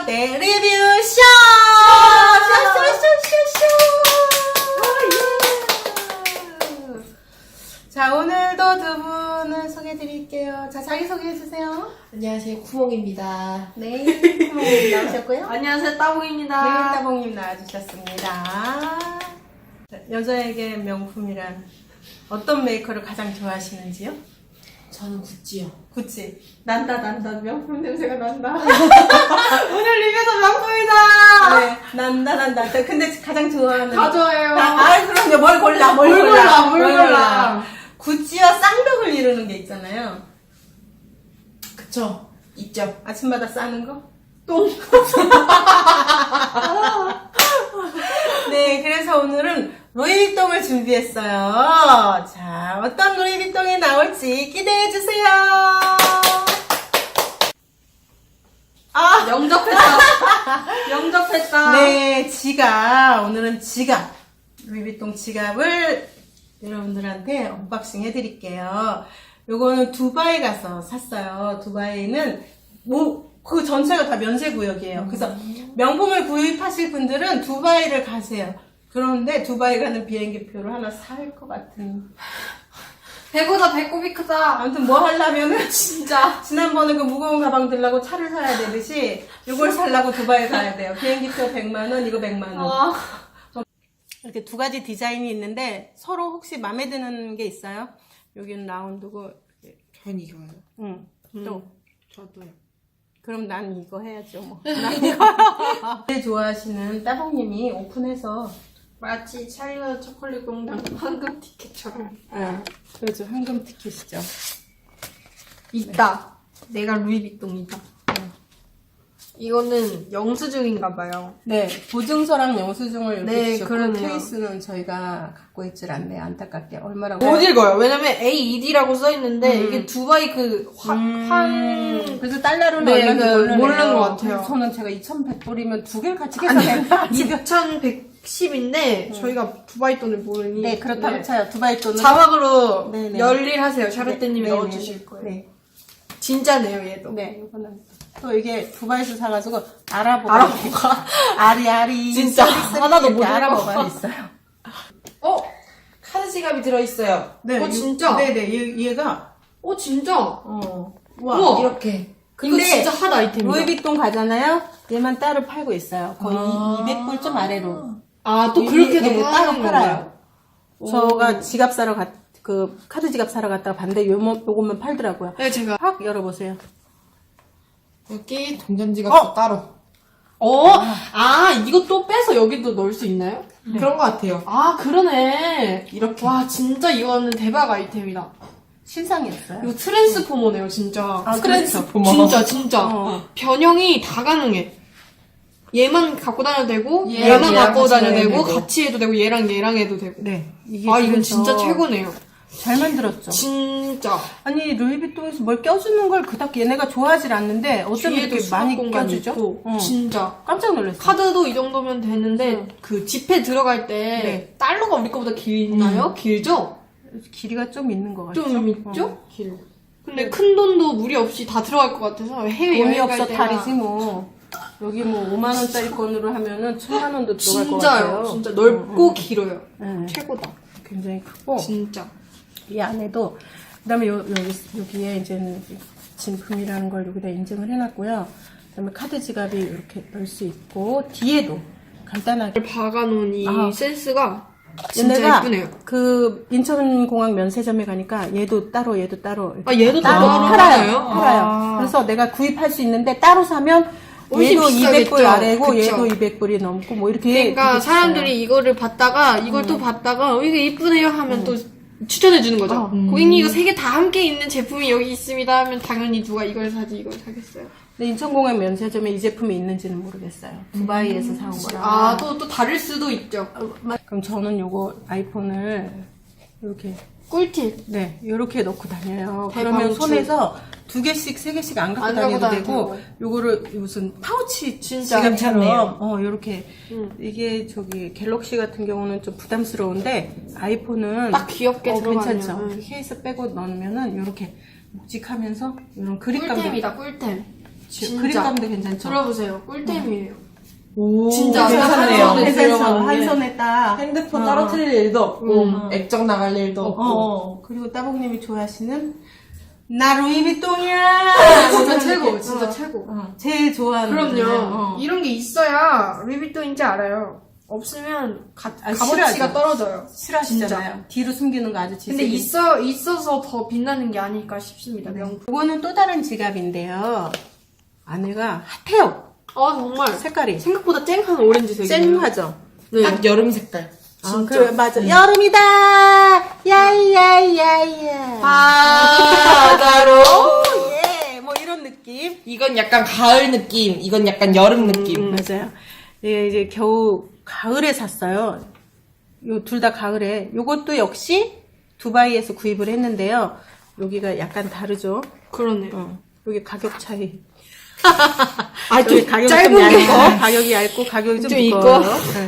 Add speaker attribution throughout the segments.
Speaker 1: 롯데 리뷰쇼! 쇼! 자, 오늘도 두 분을 소개해드릴게요. 자, 자기소개해주세요.
Speaker 2: 안녕하세요, 구멍입니다.
Speaker 1: 네, 구멍님 나오셨고요.
Speaker 2: 안녕하세요, 따봉입니다.
Speaker 1: 네, 따봉님 나와주셨습니다. 자, 여자에게 명품이란 어떤 메이커를 가장 좋아하시는지요?
Speaker 2: 저는 구찌요.
Speaker 1: 구찌. 난다. 명품 냄새가 난다. 오늘 리뷰도 명품이다! 네, 난다. 근데 가장 좋아하는.
Speaker 2: 다 좋아해요.
Speaker 1: 그럼요. 뭘 골라.
Speaker 2: 뭘 골라.
Speaker 1: 구찌와 쌍벽을 이루는 게 있잖아요.
Speaker 2: 그쵸, 있죠.
Speaker 1: 아침마다 싸는 거?
Speaker 2: 똥.
Speaker 1: 네, 그래서 오늘은 루이비통을 준비했어요. 자, 어떤 루이비통이 나올지 기대해주세요.
Speaker 2: 영접했다.
Speaker 1: 네, 오늘은 지갑. 루이비통 지갑을 여러분들한테 언박싱 해드릴게요. 요거는 두바이 가서 샀어요. 두바이는 그 전체가 다 면세구역이에요. 그래서 명품을 구입하실 분들은 두바이를 가세요. 그런데 두바이 가는 비행기표를 하나 살 것 같은.
Speaker 2: 배보다 배꼽이 크다.
Speaker 1: 아무튼 뭐 하려면은
Speaker 2: 진짜.
Speaker 1: 지난번에 그 무거운 가방 들라고 차를 사야 되듯이 이걸 살라고 두바이 가야 돼요. 비행기표 100만원, 이거 100만원. 이렇게 두 가지 디자인이 있는데 서로 혹시 마음에 드는 게 있어요? 여기는 라운드고.
Speaker 2: 전 이거요.
Speaker 1: 응. 또.
Speaker 2: 저도요.
Speaker 1: 그럼 난 이거 해야죠, 뭐. 난 이거. 제일 좋아하시는 따봉님이 오픈해서.
Speaker 2: 마치 찰리와 초콜릿 공장 황금 티켓처럼.
Speaker 1: 그렇죠. 황금 티켓이죠.
Speaker 2: 있다. 내가 루이비통이다. 이거는 영수증인가봐요.
Speaker 1: 네. 보증서랑 영수증을 이렇게
Speaker 2: 네,
Speaker 1: 주셨고,
Speaker 2: 그러네요.
Speaker 1: 케이스는 저희가 갖고 있질 않네요. 안타깝게. 얼마라고.
Speaker 2: 못 읽어요. 왜냐면 AED라고 써있는데 이게 두바이
Speaker 1: 그래서 달러로는
Speaker 2: 네,
Speaker 1: 얼마인지
Speaker 2: 모르는 것 같아요.
Speaker 1: 저는 제가 2,100불이면 두 개를 같이 계산했나?
Speaker 2: 2110인데 저희가 두바이 돈을 모르니
Speaker 1: 네, 그렇다고 쳐요. 두바이 돈은.
Speaker 2: 자막으로
Speaker 1: 네네.
Speaker 2: 열일하세요. 샤르떼님이
Speaker 1: 네,
Speaker 2: 넣어주실
Speaker 1: 네,
Speaker 2: 거예요.
Speaker 1: 네.
Speaker 2: 진짜네요, 얘도.
Speaker 1: 네, 이거는. 또 이게 두바이에서 사가지고 알아보고. 아리.
Speaker 2: 진짜
Speaker 1: 쓰리
Speaker 2: 하나도
Speaker 1: 이렇게
Speaker 2: 못
Speaker 1: 알아보고
Speaker 2: 읽어.
Speaker 1: 있어요.
Speaker 2: 카드 지갑이 들어있어요.
Speaker 1: 네,
Speaker 2: 진짜?
Speaker 1: 네네, 얘가.
Speaker 2: 진짜?
Speaker 1: 와.
Speaker 2: 우와. 이렇게. 이거
Speaker 1: 근데
Speaker 2: 진짜 핫 아이템이다.
Speaker 1: 루이비통 가잖아요? 얘만 따로 팔고 있어요. 거의 200불 좀 아래로.
Speaker 2: 또 그렇게도
Speaker 1: 네, 따로
Speaker 2: 파는
Speaker 1: 팔아요.
Speaker 2: 건가요?
Speaker 1: 저가 지갑 사러 카드 지갑 사러 갔다가 봤는데 요것만 팔더라고요.
Speaker 2: 네, 제가.
Speaker 1: 확 열어보세요.
Speaker 2: 여기 동전지갑도 따로. 이거 또 빼서 여기도 넣을 수 있나요?
Speaker 3: 그런 것 같아요.
Speaker 2: 그러네.
Speaker 3: 이렇게.
Speaker 2: 와, 진짜 이거는 대박 아이템이다.
Speaker 1: 신상이었어요.
Speaker 2: 이거 트랜스포머네요, 진짜.
Speaker 3: 트랜스포머.
Speaker 2: 진짜. 변형이 다 가능해. 얘만 갖고 다녀도 되고,
Speaker 1: 얘랑
Speaker 2: 얘만 갖고
Speaker 1: 같이
Speaker 2: 다녀도
Speaker 1: 다녀도
Speaker 2: 되고,
Speaker 1: 되고.
Speaker 2: 같이 해도 되고, 얘랑 해도 되고.
Speaker 1: 네. 이게
Speaker 2: 이건
Speaker 1: 그래서
Speaker 2: 진짜 최고네요.
Speaker 1: 잘 만들었죠.
Speaker 2: 진짜.
Speaker 1: 아니, 루이비통에서 뭘 껴주는 걸 그닥 얘네가 좋아하질 않는데, 어쩜
Speaker 2: 뒤에도
Speaker 1: 이렇게 많이
Speaker 2: 공간
Speaker 1: 껴주죠?
Speaker 2: 있고,
Speaker 1: 어.
Speaker 2: 진짜.
Speaker 1: 깜짝 놀랐어요.
Speaker 2: 카드도 이 정도면 되는데, 그 지폐 들어갈 때,
Speaker 1: 네.
Speaker 2: 달러가 우리 거보다 길나요? 길죠?
Speaker 1: 길이가 좀 있는 것 같죠?
Speaker 2: 좀 있죠?
Speaker 1: 길.
Speaker 2: 근데 큰 돈도 무리 없이 다 들어갈 것 같아서 해외
Speaker 1: 돈이
Speaker 2: 여행
Speaker 1: 없어
Speaker 2: 갈 때나
Speaker 1: 탈이지 뭐. 여기 뭐 5만원짜리 건으로 하면은 1,000만원도 들어갈 것
Speaker 2: 진짜요.
Speaker 1: 같아요.
Speaker 2: 진짜 넓고 길어요.
Speaker 1: 네.
Speaker 2: 최고다.
Speaker 1: 굉장히 크고.
Speaker 2: 진짜.
Speaker 1: 이 안에도 그다음에 여기에 이제는 진품이라는 걸 여기다 인증을 해놨고요. 그다음에 카드 지갑이 이렇게 넣을 수 있고 뒤에도 간단하게
Speaker 2: 박아놓은 이
Speaker 1: 아.
Speaker 2: 센스가 진짜
Speaker 1: 얘네가
Speaker 2: 예쁘네요.
Speaker 1: 그 인천공항 면세점에 가니까 얘도 따로
Speaker 2: 얘도
Speaker 1: 따로
Speaker 2: 따로
Speaker 1: 팔아요. 그래서 내가 구입할 수 있는데 따로 사면
Speaker 2: 훨씬
Speaker 1: 얘도
Speaker 2: 비싸겠죠.
Speaker 1: 200불 아래고
Speaker 2: 그쵸.
Speaker 1: 얘도 200불이 넘고 뭐 이렇게
Speaker 2: 그러니까
Speaker 1: 되게
Speaker 2: 사람들이
Speaker 1: 비싸요.
Speaker 2: 이거를 봤다가 이걸 또 봤다가 이게 이쁘네요 하면 또 추천해주는 거죠.
Speaker 1: 음.
Speaker 2: 고객님 이거 세 개 다 함께 있는 제품이 여기 있습니다 하면 당연히 누가 이걸 사지 이걸 사겠어요.
Speaker 1: 근데 인천공항 면세점에 이 제품이 있는지는 모르겠어요. 두바이에서 사온 거라.
Speaker 2: 또 다를 수도 있죠.
Speaker 1: 그럼 저는 요거 아이폰을 이렇게
Speaker 2: 꿀팁.
Speaker 1: 네 이렇게 넣고 다녀요.
Speaker 2: 대방출.
Speaker 1: 그러면 손에서 2개씩 3개씩 안 갖고
Speaker 2: 안
Speaker 1: 다녀도
Speaker 2: 갖고
Speaker 1: 되고
Speaker 2: 다녀도
Speaker 1: 요거를 무슨 파우치
Speaker 2: 진짜
Speaker 1: 지갑처럼 요렇게 이게 저기 갤럭시 같은 경우는 좀 부담스러운데 아이폰은
Speaker 2: 딱 귀엽게 들어가네요.
Speaker 1: 괜찮죠. 케이스 빼고 넣으면은 요렇게 묵직하면서 이런 그립감도
Speaker 2: 꿀템이다 꿀템. 진짜.
Speaker 1: 그립감도 괜찮죠?
Speaker 2: 들어보세요. 꿀템이에요.
Speaker 3: 오,
Speaker 2: 진짜
Speaker 3: 괜찮네요.
Speaker 2: 한 손에
Speaker 1: 괜찮죠?
Speaker 2: 들어가는
Speaker 1: 한
Speaker 2: 게.
Speaker 1: 손에 딱.
Speaker 3: 핸드폰 따로틀릴 일도 없고,
Speaker 2: 음.
Speaker 3: 액정 나갈 일도 없고.
Speaker 1: 그리고 따봉님이 좋아하시는 나 루이비통이야.
Speaker 2: 진짜
Speaker 1: 이런
Speaker 2: 최고,
Speaker 1: 느낌.
Speaker 2: 진짜 최고.
Speaker 1: 제일 좋아하는
Speaker 2: 그럼요.
Speaker 1: 거잖아요.
Speaker 2: 이런 게 있어야 루이비통인지 알아요. 없으면 값어치가
Speaker 1: 싫어하죠.
Speaker 2: 떨어져요.
Speaker 1: 싫어하시잖아요. 뒤로 숨기는 거 아주
Speaker 2: 근데
Speaker 1: 지색이.
Speaker 2: 있어서 더 빛나는 게 아닐까 싶습니다. 명품.
Speaker 1: 이거는 또 다른 지갑인데요. 안에가 핫해요.
Speaker 2: 아 정말
Speaker 1: 색깔이.
Speaker 2: 생각보다 쨍한 오렌지색이에요.
Speaker 1: 쨍하죠?
Speaker 2: 네.
Speaker 3: 딱 여름 색깔.
Speaker 2: 진짜.
Speaker 1: 그래, 맞아. 여름이다! 야야야야.
Speaker 2: 바다로.
Speaker 1: 예, 뭐 이런 느낌.
Speaker 3: 이건 약간 가을 느낌, 이건 약간 여름 느낌.
Speaker 1: 맞아요. 예, 이제 겨우 가을에 샀어요. 요 둘 다 가을에. 요것도 역시 두바이에서 구입을 했는데요. 여기가 약간 다르죠.
Speaker 2: 그러네요.
Speaker 1: 여기 가격 차이.
Speaker 2: 아,
Speaker 1: 여기
Speaker 2: 좀
Speaker 1: 가격이
Speaker 2: 짧은
Speaker 1: 좀
Speaker 2: 게.
Speaker 1: 얇고, 가격이 얇고, 가격이 좀
Speaker 2: 좀
Speaker 1: 두꺼워요.
Speaker 2: 있고.
Speaker 1: 네.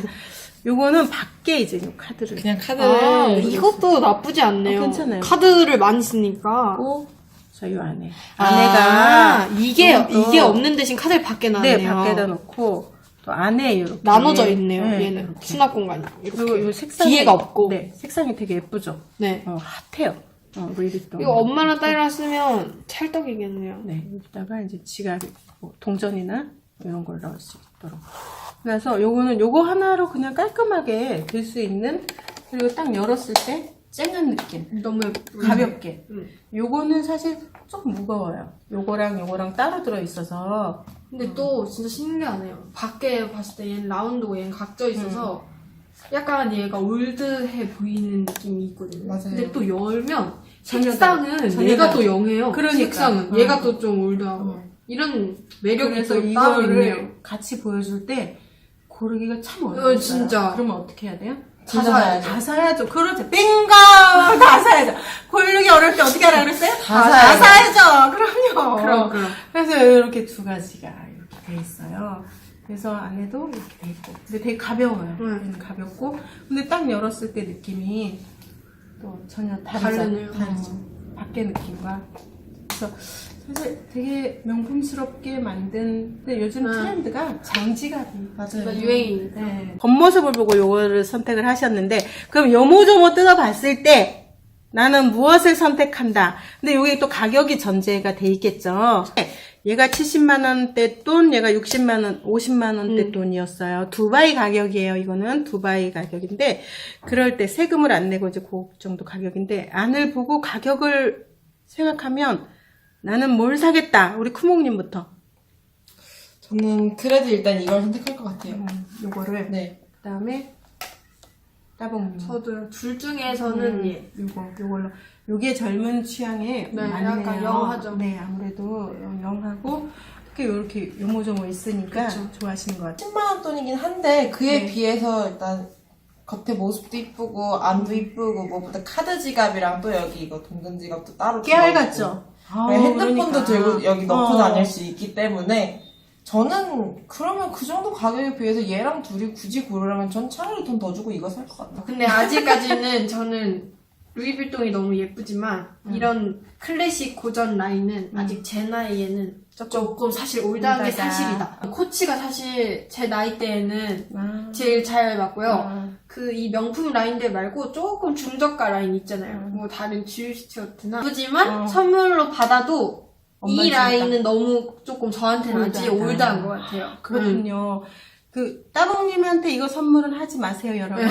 Speaker 1: 요거는 밖에 이제 요 카드를.
Speaker 3: 그냥 카드를.
Speaker 2: 아, 이것도 나쁘지 않네요.
Speaker 1: 괜찮아요.
Speaker 2: 카드를 많이 쓰니까.
Speaker 1: 자, 요 안에.
Speaker 2: 아,
Speaker 1: 안에가.
Speaker 2: 이게
Speaker 1: 좀 더-
Speaker 2: 없는 대신 카드를 밖에 놔네요.
Speaker 1: 네, 밖에다 놓고, 또 안에 이렇게.
Speaker 2: 나눠져 있네요.
Speaker 1: 네,
Speaker 2: 얘는
Speaker 1: 이렇게.
Speaker 2: 수납 공간이. 이렇게.
Speaker 1: 그리고 요 색상이.
Speaker 2: 뒤에가 없고.
Speaker 1: 네, 색상이 되게 예쁘죠?
Speaker 2: 네.
Speaker 1: 핫해요. 루이비통.
Speaker 2: 이거 엄마랑 딸이랑 쓰면 찰떡이겠네요.
Speaker 1: 네, 여기다가 이제 지갑, 뭐 동전이나 이런 걸 넣을 수 있도록. 그래서 요거 하나로 그냥 깔끔하게 될 수 있는, 그리고 딱 열었을 때 쨍한 느낌.
Speaker 2: 너무 예쁘.
Speaker 1: 가볍게. 요거는 사실 조금 무거워요. 요거랑 따로 들어있어서.
Speaker 2: 근데 또 진짜 신기하네요. 밖에 봤을 때 얘는 라운드고 얘는 각져 있어서 약간 얘가 올드해 보이는 느낌이 있거든요.
Speaker 3: 맞아요.
Speaker 2: 근데 또 열면
Speaker 1: 전혀
Speaker 2: 색상은
Speaker 1: 다르- 전혀
Speaker 2: 얘가
Speaker 1: 다르-
Speaker 2: 또 영해요.
Speaker 1: 그러니까.
Speaker 2: 색상은 얘가 또 좀 올드하고 이런 매력이
Speaker 1: 그래서
Speaker 2: 또 따로 있네요.
Speaker 1: 이거를 같이 보여줄 때 고르기가 참 어려워요.
Speaker 2: 진짜.
Speaker 1: 그러면 어떻게 해야 돼요?
Speaker 3: 다 사야죠.
Speaker 1: 다 사야죠. 그렇죠. bingo! 다 사야죠. 고르기 어려울 때 어떻게 하라 그랬어요?
Speaker 3: 다
Speaker 1: 사야죠. 그럼요.
Speaker 2: 그럼.
Speaker 1: 그래서 이렇게 두 가지가 이렇게 돼 있어요. 그래서 안에도 이렇게 돼 있고. 근데 되게 가벼워요. 가볍고. 근데 딱 열었을 때 느낌이 또 전혀
Speaker 2: 다르네요.
Speaker 1: 다르죠. 밖의 느낌과. 그래서 사실 되게 명품스럽게 만든, 근데 요즘 트렌드가 장지갑이.
Speaker 3: 맞아요.
Speaker 2: 유행이니까.
Speaker 1: 네. 겉모습을 보고 요거를 선택을 하셨는데, 그럼 요모조모 뜯어봤을 때, 나는 무엇을 선택한다. 근데 요게 또 가격이 전제가 돼 있겠죠. 얘가 70만원대 돈, 얘가 60만원, 50만원대 돈이었어요. 두바이 가격이에요. 이거는 두바이 가격인데, 그럴 때 세금을 안 내고 이제 그 정도 가격인데, 안을 보고 가격을 생각하면, 나는 뭘 사겠다. 우리 쿠몽님부터.
Speaker 3: 저는 그래도 일단 이걸 선택할 것 같아요.
Speaker 1: 요거를.
Speaker 3: 네.
Speaker 1: 그 다음에, 따봉님.
Speaker 2: 저도요. 둘 중에서는 얘.
Speaker 1: 요걸로. 요게 젊은 취향에
Speaker 2: 네,
Speaker 1: 맞네요.
Speaker 2: 약간 영하죠.
Speaker 1: 네, 아무래도 영하고, 특히 요렇게 요모조모 있으니까
Speaker 2: 그쵸.
Speaker 1: 좋아하시는 것 같아요.
Speaker 3: 10만원 돈이긴 한데, 그에
Speaker 1: 네.
Speaker 3: 비해서 일단, 겉에 모습도 이쁘고, 안도 이쁘고, 뭐보다 카드 지갑이랑 또 여기 이거 동전 지갑도 따로
Speaker 1: 깨알
Speaker 3: 들어있고.
Speaker 1: 같죠?
Speaker 3: 네, 핸드폰도
Speaker 1: 그러니까.
Speaker 3: 들고 여기 넣고 다닐 수 있기 때문에 저는 그러면 그 정도 가격에 비해서 얘랑 둘이 굳이 고르라면 전 차라리 돈 더 주고 이거 살 것 같다.
Speaker 2: 근데 아직까지는 저는 루이빌통이 너무 예쁘지만 이런 클래식 고전 라인은 아직 제 나이에는 조금 사실 올드한 게
Speaker 1: 올드하다.
Speaker 2: 사실이다. 코치가 사실 제 나이 때에는
Speaker 1: 아.
Speaker 2: 제일 잘 맞고요.
Speaker 1: 아.
Speaker 2: 그 이 명품 라인들 말고 조금 중저가 라인 있잖아요. 뭐 다른 지유스튜어트나 예쁘지만 선물로 받아도
Speaker 1: 엄마
Speaker 2: 이
Speaker 1: 진짜.
Speaker 2: 라인은 너무 조금 저한테는 아직
Speaker 1: 올드하다.
Speaker 2: 올드한 것 같아요.
Speaker 1: 그렇군요. 그, 따봉님한테 이거 선물은 하지 마세요, 여러분.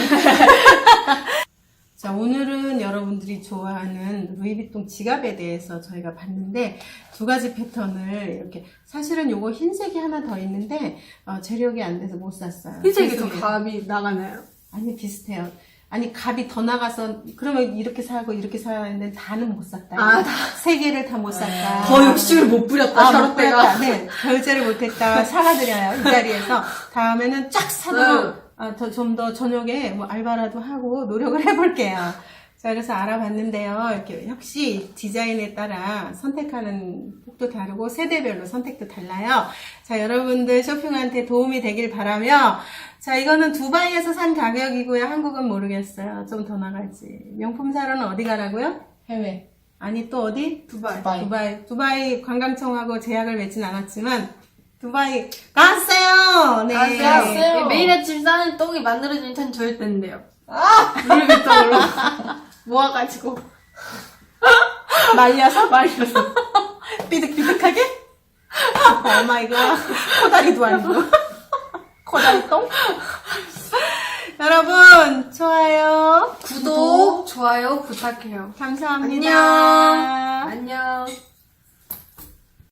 Speaker 1: 자, 오늘은 여러분들이 좋아하는 루이비통 지갑에 대해서 저희가 봤는데, 두 가지 패턴을 이렇게, 사실은 요거 흰색이 하나 더 있는데, 재력이 안 돼서 못 샀어요.
Speaker 2: 흰색이 더
Speaker 1: 죄송해요.
Speaker 2: 감이 나가나요?
Speaker 1: 아니, 비슷해요. 아니, 값이 더 나가서, 그러면 이렇게 사고 이렇게 사야 하는데, 다는 못 샀다.
Speaker 2: 아,
Speaker 1: 세 개를 다 못 샀다.
Speaker 2: 더 욕심을 못 부렸다,
Speaker 1: 못
Speaker 2: 저럴 때가.
Speaker 1: 받았다. 네, 결제를 못했다. 사과드려요. 이 자리에서. 다음에는 쫙 사도록, 좀 더 저녁에 뭐 알바라도 하고 노력을 해볼게요. 자, 그래서 알아봤는데요. 이렇게 역시 디자인에 따라 선택하는 폭도 다르고 세대별로 선택도 달라요. 자, 여러분들 쇼핑한테 도움이 되길 바라며, 자, 이거는 두바이에서 산 가격이고요. 한국은 모르겠어요. 좀 더 나갈지. 명품 사러는 어디 가라고요?
Speaker 3: 해외.
Speaker 1: 아니 또 어디?
Speaker 2: 두바이.
Speaker 1: 두바이 관광청하고 제약을 맺진 않았지만 두바이 갔어요. 네.
Speaker 3: 갔어요.
Speaker 2: 매일 아침 싸는 똥이 만들어지는 참 좋을 텐데요. 루이비통으로 모아가지고
Speaker 1: 말려서
Speaker 2: 말려서.
Speaker 1: 삐득삐득하게? 오 마이 갓. 코다리도 아니고. 코다리 똥? 여러분, 좋아요.
Speaker 2: 구독, 좋아요 부탁해요.
Speaker 1: 감사합니다.
Speaker 2: 안녕. 안녕.